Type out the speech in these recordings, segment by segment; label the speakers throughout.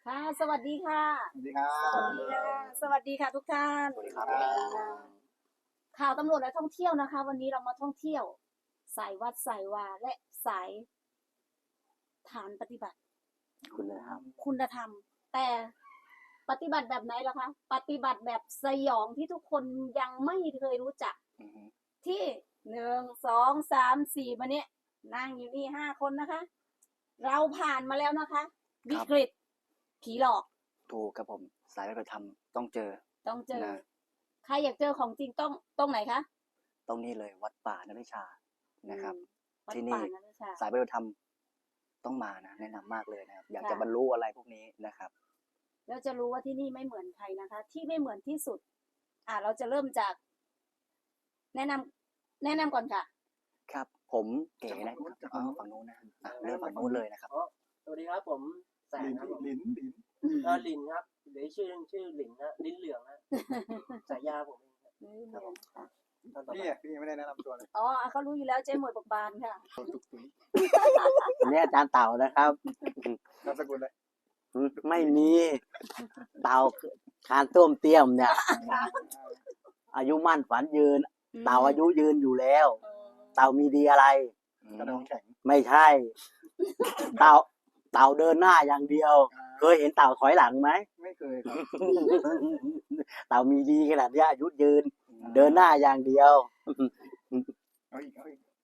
Speaker 1: ค่ะสวัสดีค่ะ
Speaker 2: สวัสดีครั
Speaker 1: สวัส
Speaker 2: บ
Speaker 1: ดีค่ะสวัสดีค่ะทุกท่าน
Speaker 2: สวัสดีครับ
Speaker 1: ข่าวตำรวจและท่องเที่ยวนะคะ วันนี้เรามาท่องเที่ยวสายวัดสายวาและสายฐานปฏิบัติ
Speaker 2: คุณนะครับ
Speaker 1: คุณธรรม แต่ปฏิบัติแบบไหนล่ะคะ ปฏิบัติแบบสยองที่ทุกคนยังไม่เคยรู้จัก ที่1 2 3 4มาเนี่ยนั่งอยู่นี่5 คนนะคะ เราผ่านมาแล้วนะคะวิกฤตผีหลอก
Speaker 2: ถูกครับผมสายปฏิบัติธรรมต้องเจอ
Speaker 1: ต้องเจอ
Speaker 2: นะ
Speaker 1: ใครอยากเจอของจริงต้องตรงไหนคะ
Speaker 2: ต้องนี่เลยวัดป่านริชานะครับ
Speaker 1: วัด
Speaker 2: ที่
Speaker 1: ป่า
Speaker 2: นี่
Speaker 1: นริชา
Speaker 2: สายปฏิบัติธรรมต้องมานะแนะนำมากเลยนะครับอยาก
Speaker 1: ค่ะ
Speaker 2: จะบรรลุอะไรพวกนี้นะครับ
Speaker 1: แล้วจะรู้ว่าที่นี่ไม่เหมือนใครนะคะ ที่ไม่เหมือนที่สุด เราจะเริ่มจาก แนะนำก่อนค่ะ
Speaker 2: ครับผมเก๋นะครับฝั่งนู้นนะเริ่มฝั่งนู้นเลยนะครับ
Speaker 3: สวัสดีครับผมแสงครับผมลินครับหรือชื่อหลินนะลิ้นเหลืองนะฉายาผมเองครับผมตอนต่อไป
Speaker 4: พี่ไม่ได้แนะนำตัวเลย
Speaker 1: อ๋อเขารู้อยู่แล้วเจ๊หมวยปกบานค่ะ
Speaker 4: ตุกตุย
Speaker 2: นี่อาจารย์เต่านะครับ
Speaker 4: นามสกุลเลย
Speaker 2: ไม่มีเต่าคานต้วมเตี้ยมเนี่ย อายุมั่นฝันยืน เต่าอายุยืนอยู่แล้ว เต่ามีดีอะไร
Speaker 4: กระดองแข็ง
Speaker 2: ไม่ใช่ เต่าเดินหน้าอย่างเดียว เคยเห็นเต่าถอยหลังไหม
Speaker 4: ไม่เคยครับ
Speaker 2: เต่ามีดีขนาดนี้อายุยืน เดินหน้าอย่างเดียว
Speaker 4: เอาอีก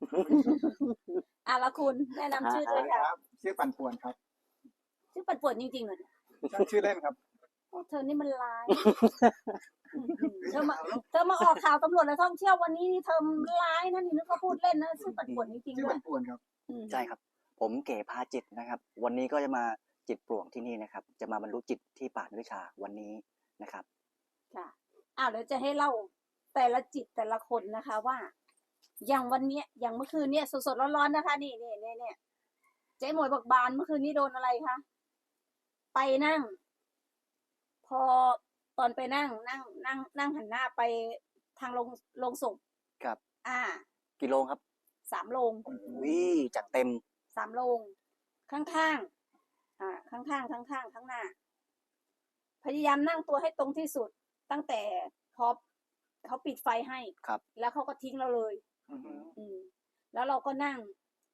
Speaker 1: แล้วคุณแนะนำชื่อด้วย
Speaker 4: ค
Speaker 1: ค่ะ
Speaker 4: รับชื่อปั่นป่วนครับ
Speaker 1: ชื่อปัดป่วนจริงๆเลย
Speaker 4: ชื่อเล่นครับ
Speaker 1: โอ้เธอนี่มันร้าย เธอมาออกข่าวตำรวจและท่องเที่ยววันนี้นี่เธอร้ายนะนี่นึกว่าพูดเล่นนะชื่อปัดป่วนจริงๆ
Speaker 4: ชื่อ
Speaker 1: ด้วย
Speaker 4: ปั่นป่วนครับ
Speaker 2: ใช่ครับ ผมเก๋พาจิตนะครับ วันนี้ก็จะมาจิตปลวงที่นี่นะครับ จะมาบรรลุจิตที่ป่าวิชาวันนี้นะครับ
Speaker 1: ค่ะเดี๋ยวจะให้เล่าแต่ละจิตแต่ละคนนะคะว่า อย่างวันเนี้ยอย่างเมื่อคืนเนี่ยสดๆร้อนๆนะคะนี่เจ๊หมวยบอกบานเมื่อคืนนี้โดนอะไรคะไปนั่ง พอตอนไปนั่งหันหน้าไปทางลงศพ
Speaker 2: ครับ กี่โลครับ
Speaker 1: 3 โรง
Speaker 2: วิจัดเต็ม
Speaker 1: 3 โรงข้างๆข้างข้างหน้า พยายามนั่งตัวให้ตรงที่สุด ตั้งแต่พอเขาปิดไฟให้
Speaker 2: ครับ
Speaker 1: แล้วเขาก็ทิ้งเราเลย แล้วเราก็นั่ง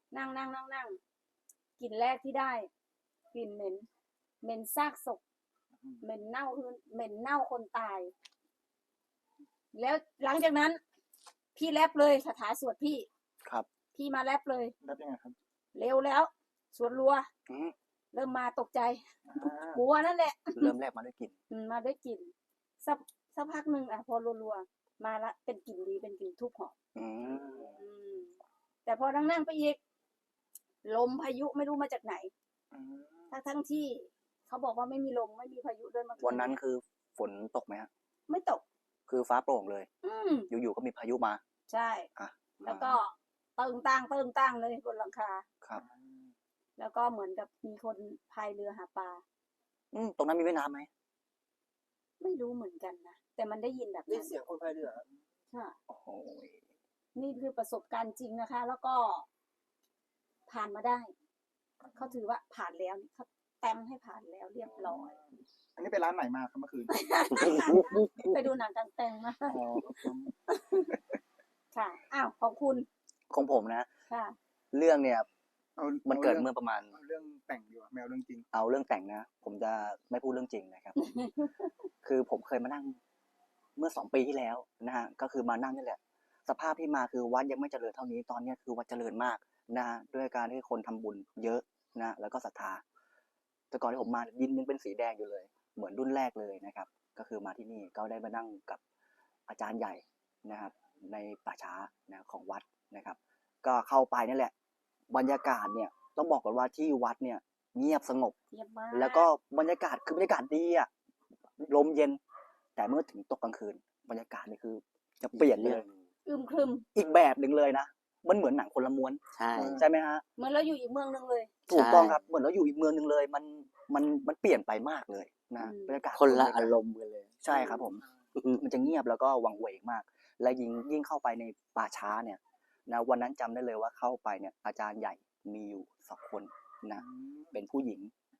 Speaker 1: กลิ่นแรกที่ได้กลิ่นเหม็นซากศพเหม็นเน่าคนตาย แล้วหลังจากนั้น พี่แรปเลยคาถาสวดพี่
Speaker 2: ครับ
Speaker 1: พี่มาแรปเลย
Speaker 4: รับยังไงครับ
Speaker 1: เร็วแล้วสวดรัว
Speaker 2: อืม
Speaker 1: เริ่มมาตกใจ
Speaker 4: อ่า
Speaker 1: กลัวนั่นแหละ
Speaker 2: เริ่มแรกมาด้วยกลิ่น
Speaker 1: มาได้กลิ่นสักพักหนึ่งพอรัวๆมาละเป็นกลิ่นดีเป็นกลิ่นทูบหอม
Speaker 2: อืม
Speaker 1: แต่พอนั่งไปอีกลมพายุไม่รู้มาจากไหน ทั้งที่เขาบอกว่าไม่มีลมไม่มีพายุด้วยเมื่อคื
Speaker 2: วันนั้นคือฝนตกไหมฮะ
Speaker 1: ไม่ตก
Speaker 2: คือฟ้าโปร่งเลย
Speaker 1: ม
Speaker 2: อยู่ๆก็มีพายุมา
Speaker 1: ใช่
Speaker 2: อ่ะ
Speaker 1: แล้วก็เติงตั้งเลยบนหลังคา
Speaker 2: ครับ
Speaker 1: แล้วก็เหมือนกับมีคนพายเรือหาปลา
Speaker 2: ตรงนั้นมีแม่น้ำไหม
Speaker 1: ไม่รู้เหมือนกันนะแต่มันได้ยินแบบ
Speaker 3: ได้
Speaker 1: นั้น
Speaker 3: เสียงคนพายเรือ
Speaker 1: ค่ะ
Speaker 2: โอ้โห
Speaker 1: นี่คือประสบการณ์จริงนะคะ แล้วก็ผ่านมาได้ เขาถือว่าผ่านแล้วเขาแต้มให้ผ่านแล้วเรียบร้อย
Speaker 4: อันนี้เป็นร้านไหนมาครับเมื่อคืน
Speaker 1: ไปดูหนังกลางแปลงมา
Speaker 4: อ๋อ
Speaker 1: ค่ะของคุณ
Speaker 2: ของผมนะ
Speaker 1: ค่ะ
Speaker 2: เรื่องเนี่ย
Speaker 4: เอา
Speaker 2: มันเกิดเมื่อประมาณ
Speaker 4: เอาเรื่องแต่งดีกว่าแมวเรื่องจริง
Speaker 2: เอาเรื่องแต่งนะ ผมจะไม่พูดเรื่องจริงนะครับ คือผมเคยมานั่งเมื่อ2 ปีที่แล้วนะฮะก็คือมานั่งนี่แหละ สภาพที่มาคือวัดยังไม่เจริญเท่านี้ตอนนี้คือวัดเจริญมากนะฮะด้วยการที่คนทำบุญเยอะนะแล้วก็ศรัทธาแต่ก่อนที่ผมมาดินยังเป็นสีแดงอยู่เลย เหมือนรุ่นแรกเลยนะครับ ก็คือมาที่นี่ก็ได้มานั่งกับอาจารย์ใหญ่นะครับ ในป่าช้านะของวัดนะครับ ก็เข้าไปนั่นแหละ บรรยากาศเนี่ยต้องบอกก่อนว่าที่วัดเนี่ยเงียบสงบ
Speaker 1: เยี่ยมมาก
Speaker 2: แล้วก็บรรยากาศคือบรรยากาศดีอะลมเย็น แต่เมื่อถึงตกกลางคืน บรรยากาศนี่คือจะเปลี่ยนเลย
Speaker 1: อึมครึม
Speaker 2: อีกแบบหนึ่งเลยนะมันเหมือนหนังคนละม้วน
Speaker 5: ใช่
Speaker 2: ใช่ไหมฮะ
Speaker 1: เหมือนเราอยู่อีกเมืองหนึงเลย
Speaker 2: ถูกต้องครับเหมือนเราอยู่อีกเมืองหนึ่งเลย มันเปลี่ยนไปมากเลยนะบรรยากาศ
Speaker 5: คนละอารมณ์กันเลย
Speaker 2: ใช่ครับผม มันจะเงียบแล้วก็วังเวงมาก และยิ่งเข้าไปในป่าช้าเนี่ยนะวันนั้นจำได้เลยว่าเข้าไปเนี่ยอาจารย์ใหญ่มีอยู่2 คนนะเป็นผู้หญิง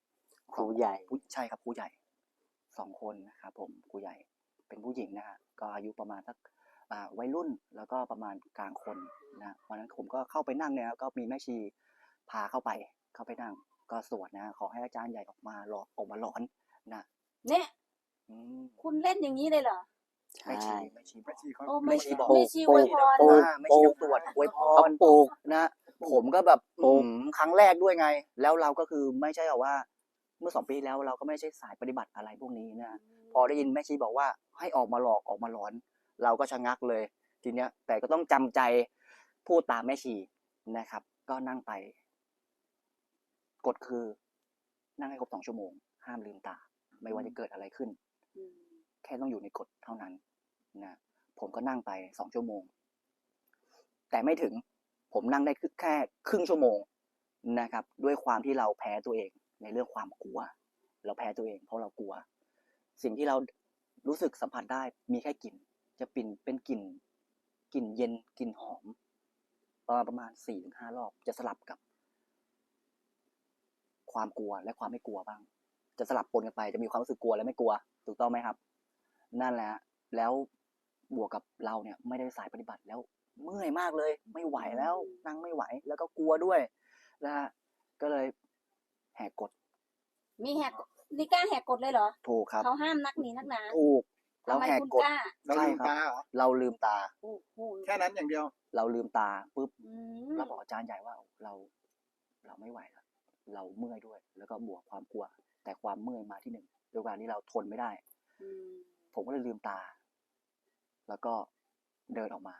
Speaker 5: ครูใหญ่
Speaker 2: ใช่ครับครูใหญ่2 คนนะครับผมครูใหญ่เป็นผู้หญิงนะฮะก็อายุประมาณสักวัยรุ่นแล้วก็ประมาณกลางคนนะวันนั้นผมก็เข้าไปนั่งเนี่ยก็มีแม่ชีพาเข้าไปนั่งก็สวดนะขอให้อาจารย์ใหญ่ออกมาหลอนนะ
Speaker 1: เนี่ย
Speaker 2: อืม
Speaker 1: คุณเล่นอย่างนี้เลยเหรอ
Speaker 2: แม่ชีบอก
Speaker 4: แม่ชีเขา
Speaker 1: โอ้
Speaker 2: แม่ชีบอก
Speaker 1: แม่ชีอวยพร
Speaker 5: ปลูก
Speaker 2: แม่ชีต้องตรวจอวยพ
Speaker 5: เขา
Speaker 2: ร
Speaker 5: ปลูก
Speaker 2: นะผมก็แบบ
Speaker 5: ปลูก
Speaker 2: ครั้งแรกด้วยไง แล้วเราก็คือไม่ใช่แบบว่า เมื่อ2 ปีแล้วเราก็ไม่ใช่สายปฏิบัติอะไรพวกนี้นะพอได้ยินแม่ชีบอกว่าให้ออกมาหลอกออกมาหลอน เราก็ชะงักเลยทีเนี้ย แต่ก็ต้องจำใจพูดตามแม่ชีนะครับ ก็นั่งไป กฎคือ นั่งให้ครบ2 ชั่วโมง ห้ามลืมตา ไม่ว่าจะเกิดอะไรขึ้น แค่ต้องอยู่ในกฎเท่านั้นนะผมก็นั่งไป2 ชั่วโมง แต่ไม่ถึงผมนั่งได้แค่ครึ่งชั่วโมงนะครับ ด้วยความที่เราแพ้ตัวเองในเรื่องความกลัว เราแพ้ตัวเองเพราะเรากลัว สิ่งที่เรารู้สึกสัมผัสได้มีแค่กลิ่น จะเป็นกลิ่นเย็นกลิ่นหอมประมาณ 4-5 รอบจะสลับกับ ความกลัวและความไม่กลัวบ้าง จะสลับปนกันไปจะมีความรู้สึกกลัวและไม่กลัว ถูกต้องไหมครับ นั่นแหละแล้วบวกกับเราเนี่ยไม่ได้สายปฏิบัติแล้วเมื่อยมากเลย ไม่ไหวแล้วนั่งไม่ไหวแล้วก็กลัวด้วยนะฮะก็เลยแหกกฎ
Speaker 1: มีแหกนี่กล้าแหกกฎเลยเหรอ
Speaker 2: ถูกครับ
Speaker 1: เขาห้ามนักหนีนักหนา
Speaker 2: ถูก
Speaker 1: ทำ
Speaker 2: เรา
Speaker 1: ไม
Speaker 2: แหก
Speaker 1: คุณ
Speaker 2: กฎ
Speaker 1: กล้า
Speaker 4: เรา
Speaker 2: ใช่
Speaker 4: ลืม
Speaker 2: ครับ
Speaker 4: ตาเหรอ
Speaker 2: เราลืมตา
Speaker 1: โอ้โห
Speaker 4: แค่นั้นอย่างเดียว
Speaker 2: เราลืมตาปุ๊บ
Speaker 1: อืม
Speaker 2: แล้วบอกอาจารย์ใหญ่ว่าเราไม่ไหวแล้วเราเมื่อยด้วย แล้วก็บวกความกลัว แต่ความเมื่อยมาที่หนึ่งด้วยการที่เราทนไม่ได้
Speaker 1: อืม
Speaker 2: ผมก็เลยลืมตา แล้วก็เดินออกมา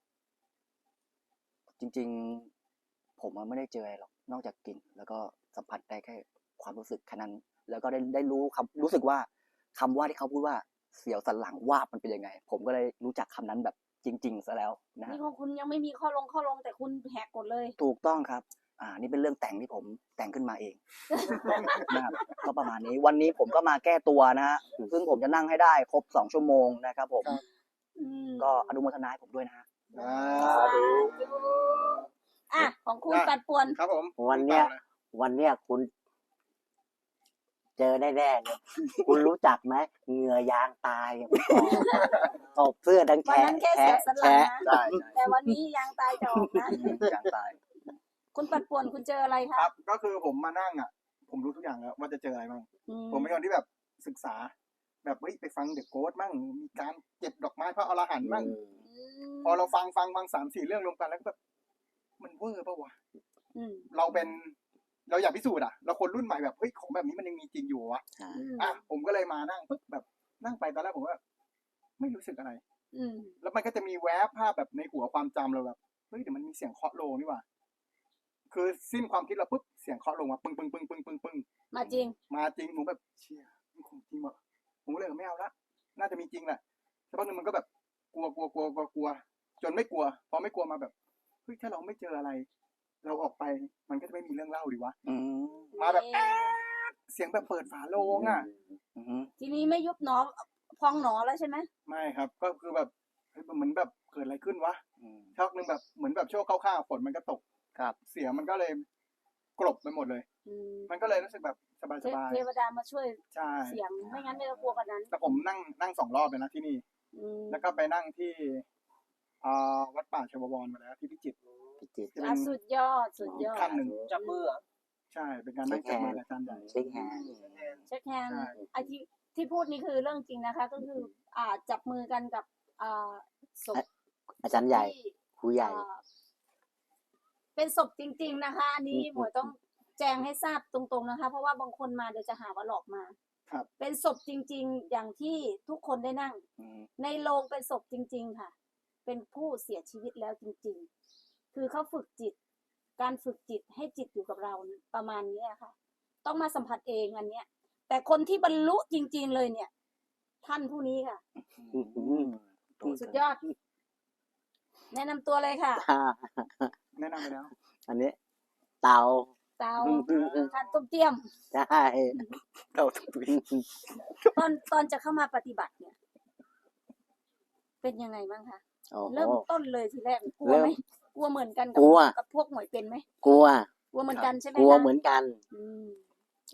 Speaker 2: จริงๆ ผมไม่ได้เจออะไรหรอก นอกจากกลิ่น แล้วก็สัมผัสได้แค่ความรู้สึกแค่นั้น แล้วก็ได้รู้สึกว่าคำว่าที่เขาพูดว่าเสียวสันหลังวาบมันเป็นยังไง ผมก็เลยรู้จักคำนั้นแบบจริงๆซะแล้วนะฮะ
Speaker 1: นี่ของคุณยังไม่มีข้อลงแต่คุณแหกกฎเลย
Speaker 2: ถูกต้องครับ นี่เป็นเรื่องแต่งที่ผมแต่งขึ้นมาเอง นะครับ ก็ประมาณนี้ วันนี้ผมก็มาแก้ตัวนะฮะ ซึ่งผมจะนั่งให้ได้ครบ2 ชั่วโมงนะครับผม
Speaker 1: อืม
Speaker 2: ก็อนุโมทนาให้ผมด้วยนะฮะ
Speaker 1: สาธุอ่ะของคุณ
Speaker 4: ได้
Speaker 1: ปัดป่วน
Speaker 4: ครับผม
Speaker 5: วันเนี้ยคุณเจอแน่ๆเลยคุณรู้จักไหมเหงื่อยางตายอย่างที่บอกตบเสื้อดัง
Speaker 1: วัน
Speaker 5: แฉะ
Speaker 1: นั้นแค่เสียวสันหลังนะ
Speaker 2: ใช่
Speaker 1: แต่วันนี้ยางตายจะออกนะ
Speaker 2: อย่างตาย
Speaker 1: คุณปัดป่วนคุณเจออะไร
Speaker 4: ค
Speaker 1: คะ
Speaker 4: รับ ก็คือผมมานั่งอ่ะ ผมรู้ทุกอย่างแล้วว่าจะเจออะไรบ้าง
Speaker 1: อื
Speaker 4: ผมเป็นคนที่แบบศึกษา แบบเฮ้ยไปฟังเดอะโกสมั่งมีการเก็บดอกไม้พระอรหันต์มั่ง
Speaker 1: ม
Speaker 4: พอเราฟัง3-4 เรื่องรวมกันแล้วก็แบบมันเวอร์ปะวะ
Speaker 1: อืม
Speaker 4: เราอยากพิสูจน์อ่ะเราคนรุ่นใหม่แบบเฮ้ยของแบบนี้มันยังมีจริงอยู่วะ
Speaker 1: อืม
Speaker 4: อ่ะผมก็เลยมานั่งปุ๊บแบบนั่งไปตอนแรกผมว่าไม่รู้สึกอะไร
Speaker 1: อืม
Speaker 4: แล้วมันก็จะมีแวบภาพแบบในหัวความจำเราแบบเฮ้ยเดี๋ยวมันมีเสียงเคาะโลงนี่หว่าคือสิ้นความคิดเราปุ๊บเสียงเคาะโลงมาปึ้งปึ้งปึ้งปึ้งปึ้งปึ้ง
Speaker 1: มาจริง
Speaker 4: มาจริงผมแบบเชี่ยมันคงจริงวะผมก็เลยไม่เอาละน่าจะมีจริงแหละสักพักหนึงมันก็แบบกลัวจนไม่กลัวพอไม่กลัวมาแบบเฮ้ยถ้าเราไม่เจออะไร เราออกไปมันก็จะไม่มีเรื่องเล่าดีวะ
Speaker 2: อืม
Speaker 4: มาแบบแอ๊ดเสียงแบบเปิดฝาโลงอ่ะ
Speaker 2: อืม
Speaker 1: ทีนี้ไม่ยุบหนอพองหนอแล้วใช่ไหม
Speaker 4: ไม่ครับก็คือแบบเฮ้ยมันเหมือนแบบเกิดอะไรขึ้นวะ
Speaker 2: อืม
Speaker 4: ชักหนึ่งแบบเหมือนแบบช่วงเข้าๆฝนมันก็ตก
Speaker 2: ครับ
Speaker 4: เสียงมันก็เลยกลบไปหมดเลย
Speaker 1: อืม
Speaker 4: มันก็เลยรู้สึกแบบสบาย
Speaker 1: เทวดามาช่วย
Speaker 4: ๆใช่
Speaker 1: เสียงไม่งั้นไม่ต้องกลัวกันนั้น
Speaker 4: แต่ผมนั่ง2 รอบเลยนะที่นี่
Speaker 1: อืม
Speaker 4: แล้วก็ไปนั่งที่วัดป่าชวบวรมาแล้วที่พิจิตร
Speaker 5: พิจิตร
Speaker 4: จะเป็
Speaker 1: อ่ะ
Speaker 4: น
Speaker 1: สุดยอดสุดยอด
Speaker 4: ขั้นหนึ่ง
Speaker 3: จับมือเหรอ
Speaker 4: ใช่เป็นการนั่งจับมือกับอาจารย์ใหญ่
Speaker 5: เช็คแฮนด์
Speaker 1: เช็คแฮนด์
Speaker 4: ใช่
Speaker 1: ไอที่พูดนี่คือเรื่องจริงนะคะ ก็คือจับมือกันกับศพ
Speaker 5: อาจารย์ใหญ่
Speaker 1: ที่
Speaker 5: ครูใหญ่
Speaker 1: เป็นศพจริง ๆนะคะ อันนี้หมวยต้องแจ้งให้ทราบตรงๆนะคะ เพราะว่าบางคนมาเดี๋ยวจะหาว่าหลอกมา
Speaker 4: ครับ
Speaker 1: เป็นศพจริง ๆ อย่างที่ทุกคนได้นั่ง
Speaker 2: อืม
Speaker 1: ในโรงเป็นศพจริง ๆ ค่ะ เป็นผู้เสียชีวิตแล้วจริง ๆ คือเขาฝึกจิต การฝึกจิตให้จิตอยู่กับเราเนี่ยประมาณนี้อะค่ะ ต้องมาสัมผัสเองอันเนี้ย แต่คนที่บรรลุจริง ๆ เลยเนี่ย ท่านผู้นี้ค่ะ สุดยอด แนะนำตัวเลยค่ะ
Speaker 4: แนะนำไปแล้ว
Speaker 5: อันนี้ เตา
Speaker 1: เตาท่านตุ้มเตี้ยม
Speaker 5: ใช่
Speaker 2: เราทุกที
Speaker 1: ตอนจะเข้ามาปฏิบัติเนี่ย เป็นยังไงบ้างคะ
Speaker 5: โอ้โห
Speaker 1: เริ่มต้นเลยทีแรกกลัวไหมกลัวเหมือนกันกั
Speaker 5: กลัว
Speaker 1: กับพวกหมวยเป็นไหม
Speaker 5: กลัว
Speaker 1: กลัวเหมือนกันใช่ไหม
Speaker 5: กลัว
Speaker 1: คะ
Speaker 5: เหมือนกัน
Speaker 1: อืม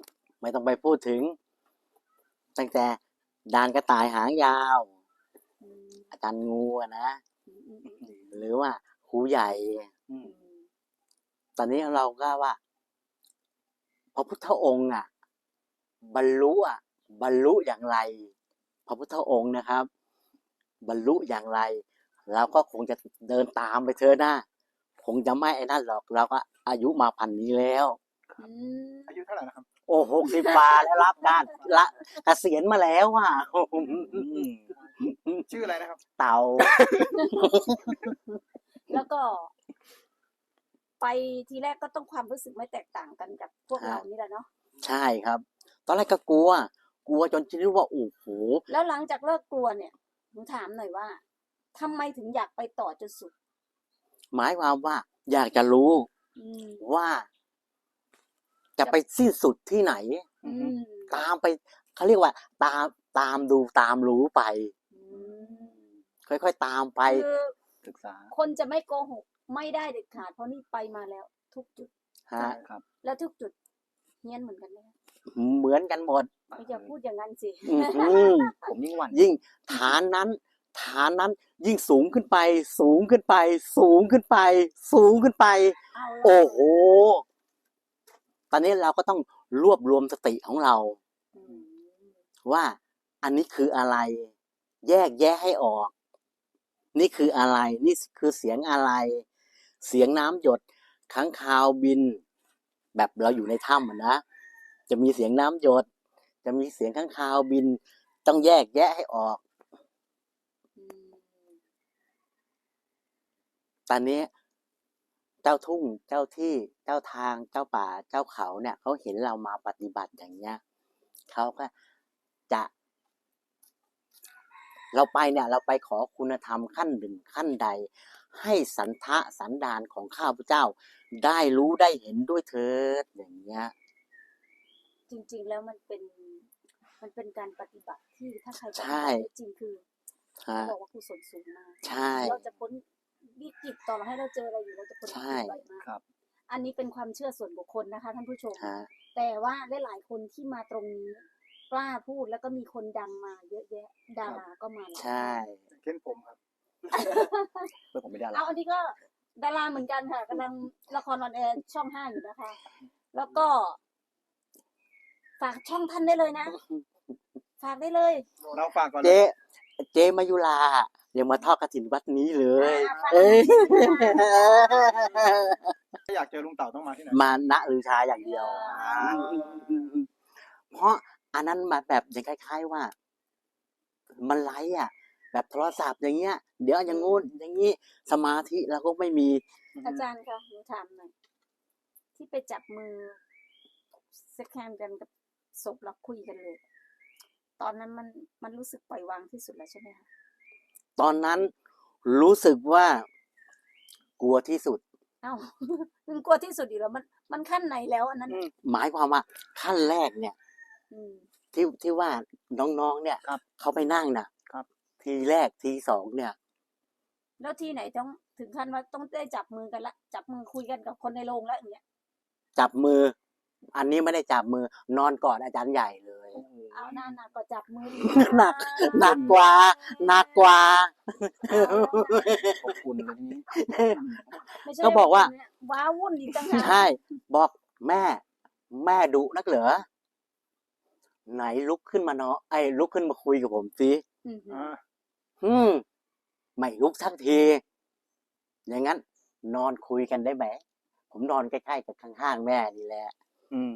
Speaker 5: ไม่ต้องไปพูดถึง ตั้งแต่ดานกระต่ายหางยาว
Speaker 1: อืม
Speaker 5: อาจารย์งูอะนะ
Speaker 1: อืมอืมอืม
Speaker 5: หรือว่าครูใหญ่
Speaker 2: อืม
Speaker 5: ตอนนี้เราก็ว่าพระพุทธองค์บรรลุบรรลุอย่างไร พระพุทธองค์นะครับ บรรลุอย่างไร เราก็คงจะเดินตามไปเถอะนะคงจะไม่ไอ้นั่นหรอก เราก็อายุมาพันนี้แล้ว
Speaker 1: อืม
Speaker 4: อายุเท่าไหร่นะครับ
Speaker 5: โอ้60 กว่าแล้วรับการละเกษียณมาแล้ว
Speaker 4: ชื่ออะไรนะครับ
Speaker 5: เต่า
Speaker 1: แล้วก็ ไปทีแรกก็ต้องความรู้สึกไม่แตกต่างกันกับพวกเรานี่แหละเนาะ
Speaker 5: ใช่ครับ ตอนแรกก็กลัวจนคิดว่าโอ้โห
Speaker 1: แล้วหลังจากเลิกกลัวเนี่ยหนูถามหน่อยว่าทำไมถึงอยากไปต่อจนสุด
Speaker 5: หมายความว่า อยากจะรู้
Speaker 1: อืม
Speaker 5: ว่า จะไปสิ้นสุดที่ไหน
Speaker 1: อืม
Speaker 5: ตามไปเขาเรียกว่า ตามดูตามรู้ไป
Speaker 1: อืม
Speaker 5: ค่อยๆตามไป
Speaker 1: คือ
Speaker 2: ศึกษา
Speaker 1: คนจะไม่โกหกไม่ได้เด็ดขาดเพราะนี่ไปมาแล้ว ทุกจุด
Speaker 5: ฮะ
Speaker 2: ครับ
Speaker 1: แล้วทุกจุดเฮี้ยนเหมือนกันไหมคะ
Speaker 5: เหมือนกันหมด
Speaker 1: ไม่อย่าพูดอย่างนั้นสิ
Speaker 5: อื้อหือ
Speaker 2: ผมยิ่งหวั่น
Speaker 5: ยิ่งฐานนั้น ยิ่งสูงขึ้นไป สูงขึ้นไป สูงขึ้นไป สูงขึ้นไป
Speaker 1: เอาละ
Speaker 5: โอ้โห ตอนนี้เราก็ต้องรวบรวมสติของเรา
Speaker 1: อืม
Speaker 5: ว่าอันนี้คืออะไร แยกแยะให้ออก นี่คืออะไร นี่คือเสียงอะไร เสียงน้ำหยดค้างคาวบิน แบบเราอยู่ในถ้ำอะนะ จะมีเสียงน้ำหยด จะมีเสียงค้างคาวบิน ต้องแยกแยะให้ออก
Speaker 1: อืม
Speaker 5: ตอนนี้เจ้าทุ่ง เจ้าที่ เจ้าทาง เจ้าป่า เจ้าเขาเนี่ยเขาเห็นเรามาปฏิบัติอย่างเงี้ยเขาก็จะ เราไปเนี่ย เราไปขอคุณธรรมขั้นหนึ่งขั้นใด ให้สันทะสันดานของข้าพเจ้า ได้รู้ได้เห็นด้วยเถิดอย่างเงี้ย
Speaker 1: จริง ๆ แล้วมันเป็นการปฏิบัติที่ถ้าใครปฏิ
Speaker 5: ใช่
Speaker 1: บัติได้จริงคือ
Speaker 5: ฮะ
Speaker 1: เขาบอกว่ากุศลสูงมาก
Speaker 5: ใช่
Speaker 1: เราจะพ้นวิกฤตต่อให้เราเจออะไรอยู่เราจะพ้นวิ
Speaker 5: ใช่
Speaker 1: กฤตไวมาก
Speaker 2: ครับ
Speaker 1: อันนี้เป็นความเชื่อส่วนบุคคลนะคะท่านผู้ชม
Speaker 5: ฮะ
Speaker 1: แต่ว่าหลายๆคนที่มาตรงนี้กล้าพูดแล้วก็มีคนดังมาเยอะแยะ ดาราก็มาหลาย
Speaker 5: ใช่
Speaker 4: เช่นผมครับ
Speaker 2: เพื่อนผมไม่ได้ละ
Speaker 1: เอาอันนี้ก็ดาราเหมือนกันค่ะกำลังละครออนแอร์ช่อง 5อยู่นะคะ แล้วก็ ฝากช่องท่านได้เลยนะ ฝากได้เลย
Speaker 4: เราฝากก่อน
Speaker 5: เจ๊มายุรายังมาทอดกฐินวัดนี้เลย
Speaker 1: ฝาก
Speaker 5: เอ้ย
Speaker 4: ถ้าอยากเจอลุงเต่าต้องมาที่ไหน
Speaker 5: มาณลือชาอย่างเดียว เพราะอันนั้นมาแบบอย่างคล้ายๆว่า มันไลฟ์แบบโทรศัพท์อย่างเงี้ย เดี๋ยวอย่างงู้นอย่างงี้ สมาธิเราก็ไม่มี
Speaker 1: อาจารย์คะหนูถามหน่อยที่ไปจับมือเซ็กแฮนด์กันกับศพแล้วคุยกันเลย ตอนนั้นมันรู้สึกปล่อยวางที่สุดแล้วใช่ไหมคะ
Speaker 5: ตอนนั้นรู้สึกว่ากลัวที่สุด
Speaker 1: เอ้า มันกลัวที่สุดอยู่แล้วมันขั้นไหนแล้วอันนั้นน่ะ
Speaker 5: หมายความว่าขั้นแรกเนี่ย
Speaker 1: อืม
Speaker 5: ที่ว่าน้องๆเนี่ย
Speaker 2: ครับ
Speaker 5: เขาไปนั่งน่ะ
Speaker 2: ครับ
Speaker 5: ทีแรกทีสองเนี่ย
Speaker 1: แล้วที่ไหนต้องถึงขั้นว่าต้องได้จับมือกันละจับมือคุยกันกับคนในโรงแล้วอย่างเงี้ย
Speaker 5: จับมือ อันนี้ไม่ได้จับมือนอนกอดอาจารย์ใหญ่เลย
Speaker 1: เอาหน้าก็จับมือดี
Speaker 5: หนัก หนักกว่า
Speaker 2: ขอบคุณเลยทีนี้
Speaker 1: ไม่ใช่
Speaker 5: ก็บอกว่า
Speaker 1: ว้าวุ่นอีกต่างหาก
Speaker 5: ใช่ บอกแม่ดุนักเหรอไหนลุกขึ้นมาเนาะลุกขึ้นมาคุยกับผมสิ
Speaker 1: อืม
Speaker 5: ไม่ลุกสักที อย่างนั้น นอนคุยกันได้ไหมผมนอนใกล้ๆกับข้างๆแม่นี่แหละ
Speaker 2: อืม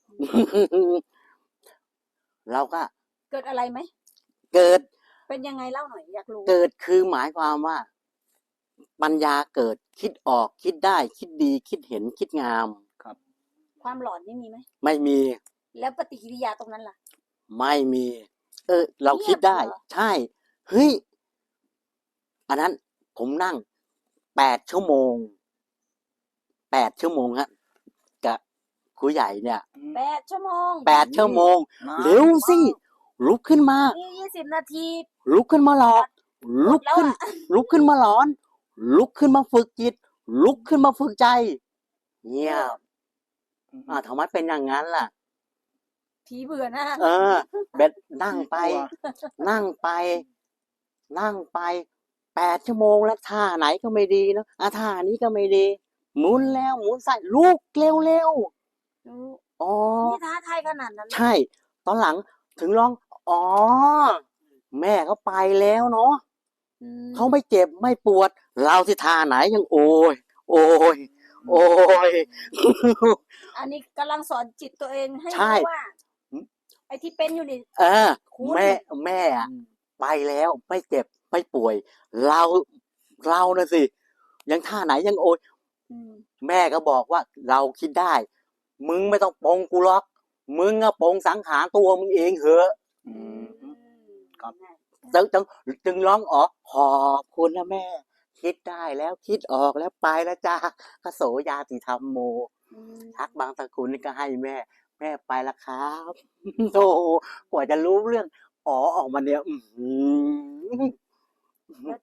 Speaker 5: เราก็
Speaker 1: เกิดอะไรไหม
Speaker 5: เกิด
Speaker 1: เป็นยังไงเล่าหน่อยอยากรู้
Speaker 5: เกิดคือหมายความว่า ปัญญาเกิดคิดออกคิดได้ คิดดีคิดเห็นคิดงาม
Speaker 1: ความหลอนนี่มีไหม
Speaker 5: ไม่มี
Speaker 1: แล้วปฏิกิริยาตรงนั้นล่ะ
Speaker 5: ไม่มี เราคิดได้
Speaker 1: เงียบเหรอ
Speaker 5: ใช่เฮ้ยอันนั้นผมนั่ง8 ชั่วโมงฮะกับครูใหญ่เนี่ย
Speaker 1: 8 ชั่วโมง
Speaker 5: 8 ชั่วโมง เร็วสิลุกขึ้นมา
Speaker 1: นี่20 นาที
Speaker 5: ลุกขึ้นมาหลอก ลุก
Speaker 1: แล้ว
Speaker 5: ขึ้น
Speaker 1: อะ
Speaker 5: ลุกขึ้นมาหลอน ลุกขึ้นมาฝึกจิต ลุกขึ้นมาฝึกใจ เงียบทำไมเป็นอย่างนั้นล่ะ
Speaker 1: ผีเบื่อหน้า
Speaker 5: เออเบ็ดนั่งไป
Speaker 4: กลัว
Speaker 5: นั่งไป นั่งไป8 ชั่วโมงแล้วท่าไหนก็ไม่ดีเนอะท่านี้ก็ไม่ดี หมุนแล้วหมุนใส่ลูกเร็วๆอ๋อ
Speaker 1: นี่ท้าทายขนาดนั้นเลย
Speaker 5: ใช่ ตอนหลังถึงร้อง อ๋อ แม่เขาไปแล้วเนาะ
Speaker 1: อืม
Speaker 5: เขาไม่เจ็บไม่ปวด เราที่ท่าไหนยังโอย โอย โอย
Speaker 1: อันนี้กำลังสอนจิตตัวเองให้
Speaker 5: ใช่
Speaker 1: รู้ว่า ไอ้ที่เป็นอยู่นี่
Speaker 5: เออ
Speaker 1: คุณ
Speaker 5: แม่อะไปแล้วไม่เจ็บไม่ป่วย เรานะสิ ยังท่าไหนยังโอย
Speaker 1: อืม
Speaker 5: แม่ก็บอกว่าเราคิดได้ มึงไม่ต้องปลงกูหรอก มึงอะปลงสังขารตัวมึงเองเหอะ
Speaker 2: อืม ครับ
Speaker 5: จึงร้องอ๋อขอบคุณนะแม่ คิดได้แล้วคิดออกแล้วไปแล้วจ้าพระโสยาติธรรมโม
Speaker 1: อืม
Speaker 5: ทักบางสกุลนี่ก็ให้แม่ แม่ไปแล้วครับ โอ้โหกว่าจะรู้เรื่องอ๋อออกมาเนี่ยอื้อหือ
Speaker 1: แล้ว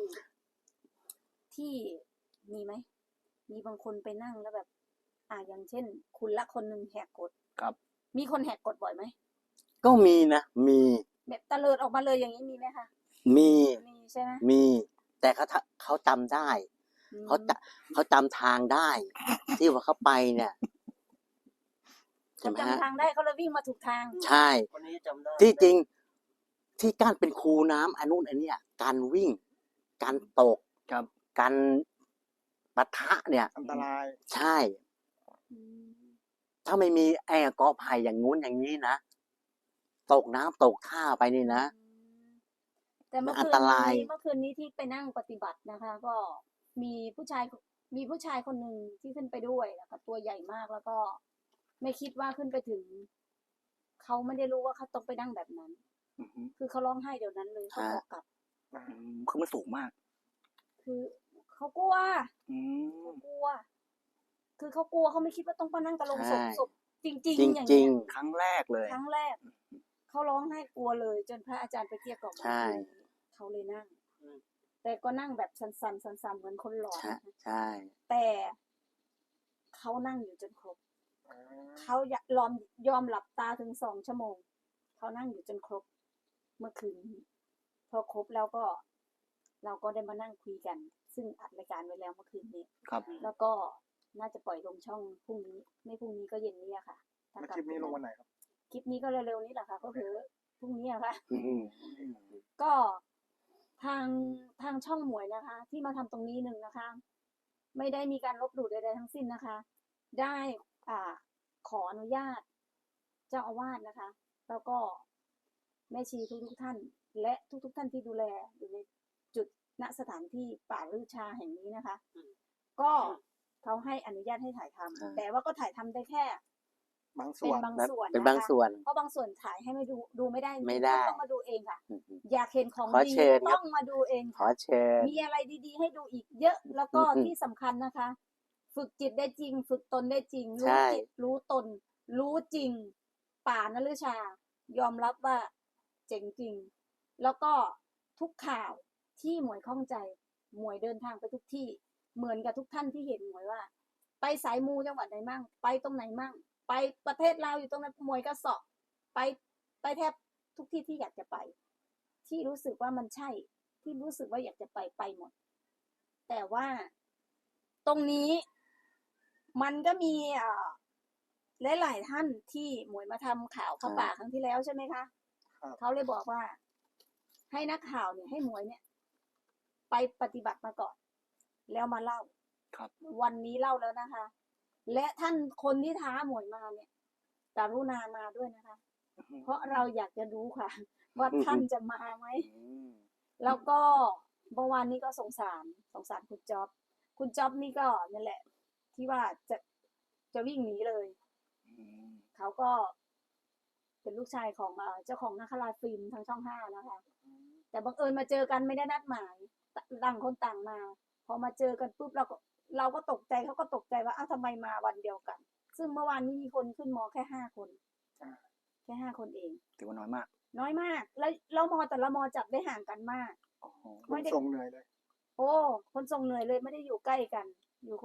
Speaker 1: ที่มีไหม มีบางคนไปนั่งแล้วแบบ อย่างเช่น คุณละคนหนึ่งแหกกฎ
Speaker 2: ครับ
Speaker 1: มีคนแหกกฎบ่อยไหม
Speaker 5: ก็มีนะมี
Speaker 1: แบบตะเลิดออกมาเลยอย่างนี้มีไหมคะ
Speaker 5: มี
Speaker 1: มีใช่ไหม
Speaker 5: มี แต่เขาจำได้
Speaker 1: อืม
Speaker 5: เขาจำทางได้ ที่ว่าเขาไปเนี่ยใช่
Speaker 1: เขา
Speaker 5: ไหมฮะ
Speaker 1: จำทางได้เขาเลยวิ่งมาถูกทาง
Speaker 5: ใช่
Speaker 3: คนนี้จำได้
Speaker 5: ที่จริงที่การเป็นครูน้ำอันนู้นอันเนี้ยการวิ่ง การตก
Speaker 2: ครับ
Speaker 5: การปะทะเนี่ย
Speaker 4: อันตราย
Speaker 5: ใช่
Speaker 1: อืม
Speaker 5: ถ้าไม่มีไอ้กอไผ่อย่างงู้นอย่างนี้นะตกน้ำตกท่าไปนี่นะ
Speaker 1: แต่เมื่อ
Speaker 5: อั
Speaker 1: คื
Speaker 5: น
Speaker 1: น
Speaker 5: ตราย
Speaker 1: นี้ที่ไปนั่งปฏิบัตินะคะ ก็มีผู้ชายคนหนึ่งที่ขึ้นไปด้วยแล้วก็ตัวใหญ่มากแล้วก็ ไม่คิดว่าขึ้นไปถึง เขาไม่ได้รู้ว่าเขาต้องไปนั่งแบบนั้น
Speaker 2: อือฮึ
Speaker 1: คือเขาร้องไห้เดี๋ยวนั้นเลยเขาขอกลับ
Speaker 2: คือมันสูงมาก
Speaker 1: คือเขากลัว
Speaker 2: อืม
Speaker 1: เขากลัว คือเขากลัวเขาไม่คิดว่าต้องมานั่งตะลงศพ
Speaker 5: ใช่
Speaker 1: ศพจริง
Speaker 5: จ
Speaker 1: ๆ อย่าง
Speaker 5: ริ
Speaker 1: เงี้
Speaker 5: ง
Speaker 1: ย
Speaker 2: ครั้งแรกเลย
Speaker 1: ครั้งแรก เขาร้องไห้กลัวเลย จนพระอาจารย์ไปเกลี้ยกล่อม
Speaker 5: ใช่
Speaker 1: เขาเลยนั่ง แต่ก็นั่งแบบสั่นๆเหมือนคนหลอน
Speaker 5: ใช่
Speaker 1: นะคะ
Speaker 5: ใช่
Speaker 1: แต่เขานั่งอยู่จนครบ เขายอมหลับตาถึง2 ชั่วโมง เขานั่งอยู่จนครบ เมื่อคืนนี้พอครบแล้วก็ เราก็ได้มานั่งคุยกัน ซึ่งอัดรายการไว้แล้วเมื่อคืนนี้
Speaker 2: ครับ
Speaker 1: แล้วก็น่าจะปล่อยลงช่องพรุ่งนี้ ไม่พรุ่งนี้ก็เย็นนี้อะค่ะ
Speaker 4: แล้วคลิปนี้ลงวันไหนครับ
Speaker 1: คลิปนี้ก็เร็วๆนี้แหละค่ะ ก็คือพรุ่งนี้อะค่ะ
Speaker 5: อืม
Speaker 1: ก็ทางช่องหมวยนะคะ ที่มาทำตรงนี้หนึ่งนะคะ ไม่ได้มีการลบหลู่ใดๆทั้งสิ้นนะคะ ได้ขออนุญาตเจ้าอาวาสนะคะ แล้วก็แม่ชีทุกท่าน และทุกท่านที่ดูแลอยู่ในจุดณสถานที่ป่าลือชาแห่งนี้นะคะ ก็เขาให้อนุญาตให้ถ่ายทำแต่ว่าก็ถ่ายทำได้แค่
Speaker 4: บางส่
Speaker 1: เป็น
Speaker 4: วน
Speaker 1: บางส่วน
Speaker 5: เป็น
Speaker 1: นะคะ
Speaker 5: บางส่วน
Speaker 1: เพราะบางส่วนถ่ายให้ไม่ดูไม่ได้จริงๆ
Speaker 5: ไม่ได้
Speaker 1: ต้องมาดูเองค่ะ
Speaker 5: อืม
Speaker 1: อยากเห็นของ
Speaker 5: ขอ
Speaker 1: ดี
Speaker 5: เชิญครับ
Speaker 1: ต้องมาดูเอง
Speaker 5: ขอ
Speaker 1: ค่ะ
Speaker 5: เชิญ
Speaker 1: มีอะไรดีๆ ให้ดูอีกเยอะ แล้วก็
Speaker 5: อืม
Speaker 1: ที่สำคัญนะคะ ฝึกจิตได้จริง ฝึกตนได้จริง
Speaker 5: ใช่
Speaker 1: รู้จิตรู้ตน รู้จริง ป่านฤชา ยอมรับว่าเจ๋งจริง แล้วก็ทุกข่าวที่หมวยข้องใจ หมวยเดินทางไปทุกที่ เหมือนกับทุกท่านที่เห็นหมวยว่า ไปสายมูจังหวัดไหนมั่ง ไปตรงไหนมั่ง ไปประเทศลาวอยู่ตรงนั้นหมวยก็เสาะไปแทบทุกที่ที่อยากจะไป ที่รู้สึกว่ามันใช่ ที่รู้สึกว่าอยากจะไปหมด แต่ว่าตรงนี้มันก็มีหลายๆท่านที่หมวยมาทำข่าวผ้าป่าครั้งที่แล้วใช่ไหมคะ
Speaker 4: ครับ
Speaker 1: เขาเลยบอกว่า ให้นักข่าวเนี่ยให้หมวยเนี่ย ไปปฏิบัติมาก่อน แล้วมาเล่า
Speaker 2: ครับ
Speaker 1: วันนี้เล่าแล้วนะคะ และท่านคนที่ท้าหมวยมาเนี่ยกรุณามาด้วยนะคะ เพราะเราอยากจะรู้ค่ะ ว่าท่านจะมาไหม
Speaker 2: อืม
Speaker 1: แล้วก็เมื่อวานนี้ก็สงสารคุณจ๊อบ คุณจ๊อบนี่ก็นั่นแหละ ที่ว่าจะวิ่งหนีเลย
Speaker 2: อืม
Speaker 1: เขาก็เป็นลูกชายของเจ้าของนาคราชฟิล์มทางช่อง5นะคะ แต่บังเอิญมาเจอกันไม่ได้นัดหมายต่างคนต่างมา พอมาเจอกันปุ๊บเราก็ตกใจเขาก็ตกใจว่าอ้าวทำไมมาวันเดียวกัน ซึ่งเมื่อวานนี้มีคนขึ้นมอแค่5 คนแค่5 คนเอง
Speaker 2: ถือว่าน้อยมาก
Speaker 1: น้อยมาก แล้วมอแต่ละมอจับได้ห่างกันมาก
Speaker 2: โอ้โห
Speaker 4: คนทรงเหนื่อยเลย
Speaker 1: โอ้คนส่งเหนื่อยเลยไม่ได้อยู่ใกล้กัน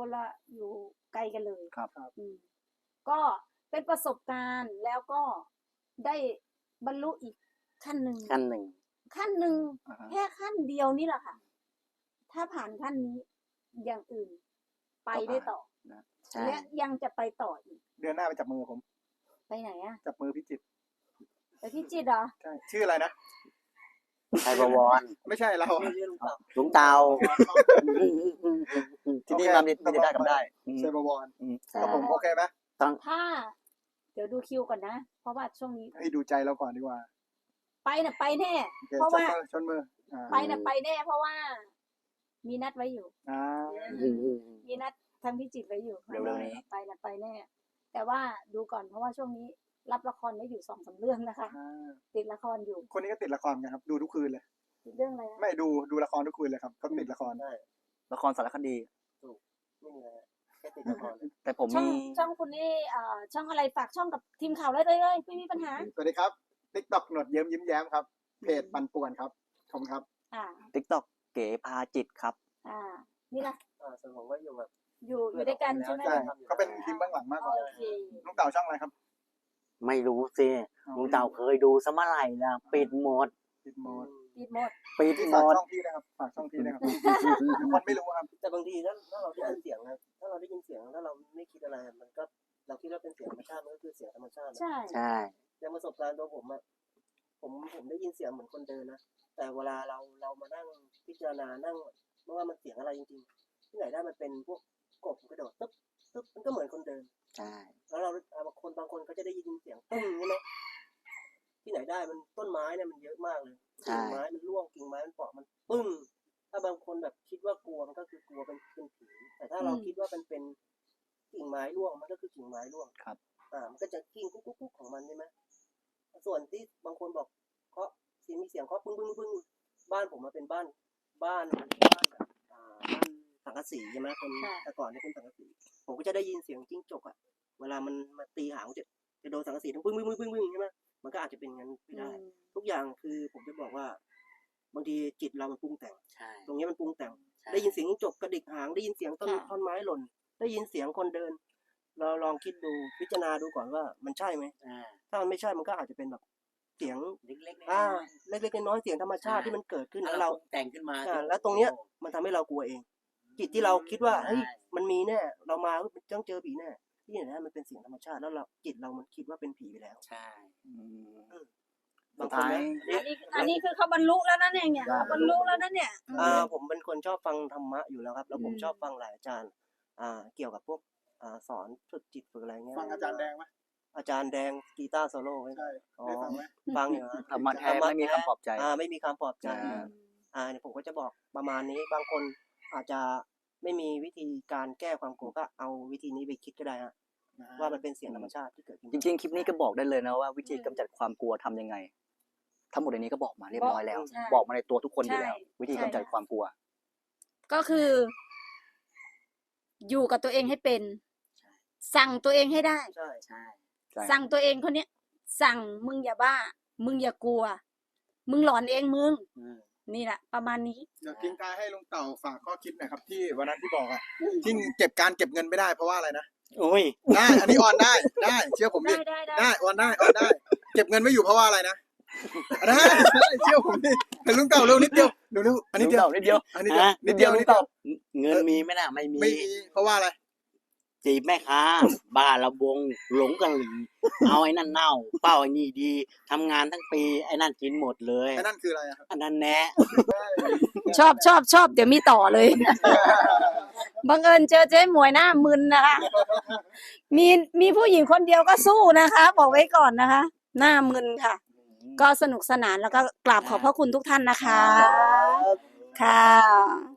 Speaker 1: อยู่ไกลกันเลย
Speaker 2: ครับ
Speaker 1: ก็เป็นประสบการณ์แล้วก็ได้บรรลุอีกขั้นหนึ่ง
Speaker 5: ขั้นหนึ่ง
Speaker 1: ขั้นหนึ่ง
Speaker 2: อ่าฮะ
Speaker 1: แค่ขั้นเดียวนี่แหละค่ะ ถ้าผ่านขั้นนี้อย่างอื่น ไปได้ต่อ
Speaker 5: ใช่
Speaker 1: และยังจะไปต่ออีก
Speaker 4: เดือนหน้าไปจับมือผม
Speaker 1: ไปไหนอะ
Speaker 4: จับมือพิจิตร
Speaker 1: ไปพิจิตรเหรอ
Speaker 4: ใช่ชื่ออะไรนะ
Speaker 5: ไทยบวร
Speaker 4: ไม่ใช่เรา
Speaker 3: เรื่องต่อ
Speaker 5: หลุงเตา
Speaker 2: ที่นี่มาไม่ได้ทำได้อืม
Speaker 4: เซบวร
Speaker 2: อืม
Speaker 4: ครับผมโอเคไหม
Speaker 1: ถ้า เดี๋ยวดูคิวก่อนนะ เพราะว่าช่วงนี้
Speaker 4: ให้ดูใจเราก่อนดีกว่า
Speaker 1: ไปน่ะไปแน่
Speaker 4: โอเค
Speaker 1: เพราะว่า
Speaker 4: ชนมืออ่า
Speaker 1: ไปน่ะไปแน่ เพราะว่า มีนัดไว้อยู่
Speaker 4: อ่า
Speaker 1: มีนัดทางพิจิตรไว้อยู่
Speaker 2: เร็วๆนี้
Speaker 1: ไปน่ะไปแน่ แต่ว่าดูก่อนเพราะว่าช่วงนี้รับละครไว้อยู่2-3 เรื่องนะคะ
Speaker 4: อ่า
Speaker 1: ติดละครอยู่
Speaker 4: คนนี้ก็ติดละครกันครับ ดูทุกคืนเลย
Speaker 1: ติดเรื่องอะไรนะ
Speaker 4: ไม่ดูละครทุกคืนเลยครับก็ติดละคร
Speaker 3: ได้
Speaker 2: ละครสารคดี
Speaker 3: ไม่มีอะไรแค่ติดละคร
Speaker 2: แต่ผม
Speaker 1: ช่อง
Speaker 2: มี
Speaker 1: ช่องคุณนี่ช่องอะไรฝากช่องกับทีมข่าวเลยไม่มีปัญหา
Speaker 4: สวัสดีครับติ๊กต็อกหนวดเยิ้มยิ้มแย้มครับเพจปันป่วนครับขอบคุณครับ
Speaker 1: อ่า
Speaker 2: ติ๊กต็อกเก๋พาจิตครับ
Speaker 1: นี่ละ
Speaker 3: ส่วนผมก็อยู่แบบ
Speaker 1: อยู่ด้วยกันใช่ไหม
Speaker 4: ใช่เขาเป็นทีมเบื้องหลังมากกว่า
Speaker 1: โอเค
Speaker 4: ลุงเต่าช่องอะไรครับ
Speaker 5: ไม่รู้สิหลุงเตาเคยดูสมัยไหร่ละปิดหมด
Speaker 4: ติดโหมด
Speaker 1: ปิดหมด
Speaker 5: ปิด
Speaker 4: ที่
Speaker 5: หม
Speaker 4: ฝาก
Speaker 5: ด
Speaker 4: ช่องพี่นะครับฝากช่องพี่นะครับคนไม่รู้ครับ
Speaker 3: แต่บางทีถ้าเราได้ยินเสียงนะถ้าเราได้ยินเสียงถ้าเราไม่คิดอะไรมันก็เราคิดว่าเป็นเสียงธรรมชาติมันก็คือเสียงธรรมชาตินะ
Speaker 1: ใช่
Speaker 5: ใช่
Speaker 3: อย่างประสบการณ์ตัวผมอะผมได้ยินเสียงเหมือนคนเดินนะแต่เวลาเรามานั่งพิจารณานั่งไม่ว่ามันเสียงอะไรจริงๆที่ไหนได้มันเป็นพวกกบกระโดดตึ๊บตึ๊บมันก็เหมือนคนเดิน
Speaker 5: ใช่
Speaker 3: แล้วเราบางคนก็จะได้ยินเสียงตึ้งใช่ไหมที่ไหนได้มันต้นไม้เนี่ยมันเยอะมากเลยกิ่งไม้มันร่วงกิ่งไม้มันเปาะมันปึ้งถ้าบางคนแบบคิดว่ากลัวมันก็คือกลัวเป็นผีแต่ถ้าเราคิดว่าเป็นกิ่งไม้ร่วงมันก็คือกิ่งไม้ร่วง
Speaker 2: ครับ
Speaker 3: มันก็จะกิ้งกุ๊กกุ๊กกุ๊กของมันใช่ไหมส่วนที่บางคนบอกเคาะมีเสียงเคาะปึ้งปึ้งปึ้งบ้านผมมันเป็นบ้านแบบสังกะสีใช่ไหมคนแต่ก่อนเนี่ยเป็นสังกะสีผมก็จะได้ยินเสียงจิ้งจกอ่ะเวลามันมาตีหางจะโดนสังกะสีทั้งปึ้งปึ้งปึ้งปึ้งปึ้งใช่ไหมมันก็อาจจะเป็นงั้นไม่ได้ ทุกอย่างคือผมจะบอกว่าบางทีจิตเรามันปรุงแต่ง
Speaker 5: ใช่
Speaker 3: ตรงนี้มันปรุงแต่ง
Speaker 5: ใช่
Speaker 3: ได้ยินเสียงจิ้งจกกระดิกหางได้ยินเสียงท่อนไม้หล่นได้ยินเสียงคนเดิน เราลองคิดดูพิจารณาดูก่อนว่ามันใช่ไหม
Speaker 5: อ่า
Speaker 3: ถ้ามันไม่ใช่มันก็อาจจะเป็นแบบเสียง
Speaker 5: เล็กๆน้อย
Speaker 3: เล็กๆน้อยๆเสียงธรรมชาติที่มันเกิดขึ้น
Speaker 5: ๆ
Speaker 3: แล้วเรา
Speaker 5: ปรุงแต่งขึ้นมา
Speaker 3: แล้วตรงเนี้ยมันทำให้เรากลัวเอง จิตที่เราคิดว่าเฮ้ย
Speaker 5: ใช่
Speaker 3: มันมีแน่เรามาต้องเจอผีแน่ที่ไหนได้มันเป็นเสียงธรรมชาติแล้วเราจิตเรามันคิดว่าเป็นผีไปแล้ว
Speaker 5: ใช่
Speaker 2: อืม
Speaker 3: บาง
Speaker 2: สุด
Speaker 3: คน
Speaker 2: ท้าย
Speaker 3: นะ
Speaker 1: อันนี้คือเขาบรรลุแล้วนะเนี่ยเขาบรรลุแล้วนะเนี่ย
Speaker 3: ผมเป็นคนชอบฟังธรรมะอยู่แล้วครับ แล้วผม
Speaker 1: อืม
Speaker 3: ชอบฟังหลายอาจารย์ เกี่ยวกับพวกสอนฝึกจิตฝึกอะไรเงี้ย
Speaker 4: ฟังอาจารย์แดงไหม
Speaker 3: อาจารย์แดงกีตาร์โซโล่ไหม
Speaker 4: ใช่
Speaker 3: อ๋อ
Speaker 4: ได้ฟังไหม
Speaker 3: ฟังอยู่ฮะ
Speaker 2: ธรรมะแท้ไม่มีคำปลอบใจ
Speaker 3: ไม่มีคำปลอบใจ เนี่ยผมก็จะบอกประมาณนี้ บางคนอาจจะไม่มีวิธีการแก้ความกลัวก็เอาวิธีนี้ไปคิดก็ได้ฮะว่ามันเป็นเสียงธรรมชาติที่เกิดขึ้น
Speaker 2: จริงๆ คลิปนี้ก็บอกได้เลยนะว่าวิธีกำจัดความกลัวทำยังไง ทั้งหมดในนี้ก็บอกมาเรียบร้อยแล้ว
Speaker 1: ใช่
Speaker 2: บอกมาในตัวทุกคนอยู่แล้ว
Speaker 1: ใช่
Speaker 2: วิธีกำจัดความกลัว
Speaker 1: ก็คือ อยู่กับตัวเองให้เป็น สั่งตัวเองให้ได้
Speaker 3: ใช่
Speaker 5: ใช่
Speaker 2: ใช่
Speaker 1: สั่งตัวเองคนเนี้ย สั่งมึงอย่าบ้า มึงอย่ากลัว มึงหลอนเองมึง
Speaker 5: อืม
Speaker 1: นี่แหละประมาณนี้
Speaker 4: เดี๋ยวทิ้งท้ายให้ลุงเต่าฝากข้อคิดหน่อยครับที่วันนั้นที่บอกอ่ะที่เก็บเงินไม่ได้เพราะว่าอะไรนะ
Speaker 5: โอ้ย
Speaker 4: ได้อันนี้ออนได้เชื่อผมดิ
Speaker 1: ได้
Speaker 4: ออนได้เก็บเงินไม่อยู่เพราะว่าอะไรนะได้เชื่อผมดิแต่ลุงเต่าเร็วนิดเดียวเร็วอันนี้เดียว
Speaker 2: นิดเดียว
Speaker 4: อันนี้เดียว
Speaker 5: ฮะ
Speaker 4: นิดเดียว
Speaker 2: ลุงเต่า
Speaker 5: เงินมีไหมน่ะไม่มี
Speaker 4: ไม่มีเพราะว่าอะไร
Speaker 5: จีบแม่ค้า บ้าระบงหลงกะหรี่เอาไอ้นั่นเน่า เป้าไอ้นี่ดีทำงานทั้งปีไอ้นั่นกินหมดเลย
Speaker 4: ไอ้นั่นคืออะไรอะครับ
Speaker 5: อันนั้นแน่
Speaker 1: ชอบเดี๋ยวมีต่อเลย บังเอิญเจอเจ๊หมวยหน้ามึนนะคะ มีผู้หญิงคนเดียวก็สู้นะคะ บอกไว้ก่อนนะคะ หน้ามึนค่ะ ก็สนุกสนานแล้วก็กราบขอบพระคุณทุกท่านนะคะ ค่ะ